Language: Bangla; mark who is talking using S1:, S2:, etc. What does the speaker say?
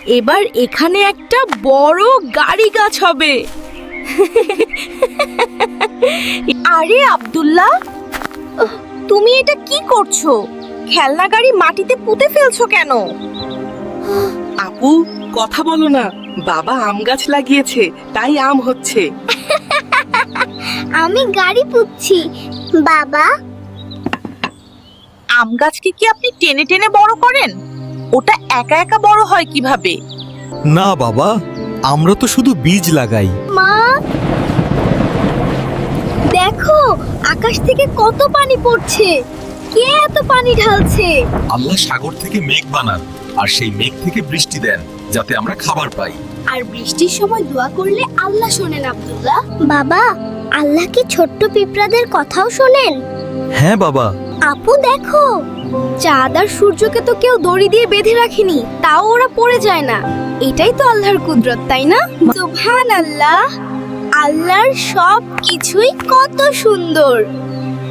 S1: এবার এখানে একটা বড় গাড়ি গাছ হবে। আরে আব্দুল্লাহ, তুমি এটা কি করছো? খেলনা গাড়ি মাটিতে পুঁতে ফেলছো কেন?
S2: আপু, কথা বলো না। বাবা আম গাছ লাগিয়েছে, তাই আম হচ্ছে।
S3: আমি গাড়ি পুচ্ছি বাবা।
S1: আম গাছকে কি আপনি টেনে টেনে বড় করেন? ওটা একা একা বড় হয় কিভাবে?
S4: না বাবা, আমরা তো শুধু বীজ লাগাই।
S3: মা দেখো, আকাশ থেকে কত পানি পড়ছে। কে এত পানি ঢালছে?
S5: আল্লাহ সাগর থেকে মেঘ বানান আর সেই মেঘ থেকে বৃষ্টি দেন যাতে আমরা খাবার পাই।
S3: আর বৃষ্টির সময় দোয়া করলে আল্লাহ শোনেন আব্দুল্লাহ। বাবা, আল্লাহ কি ছোট্ট পিঁপড়াদের কথাও শোনেন?
S4: হ্যাঁ বাবা।
S3: আপু দেখো, চাঁদ আর সূর্যকে তো কেউ দড়ি দিয়ে বেঁধে রাখেনি, তাও ওরা পড়ে যায় না। এটাই তো আল্লাহর কুদরত, তাই না? সুবহানাল্লাহ, আল্লাহর সব কিছুই কত সুন্দর।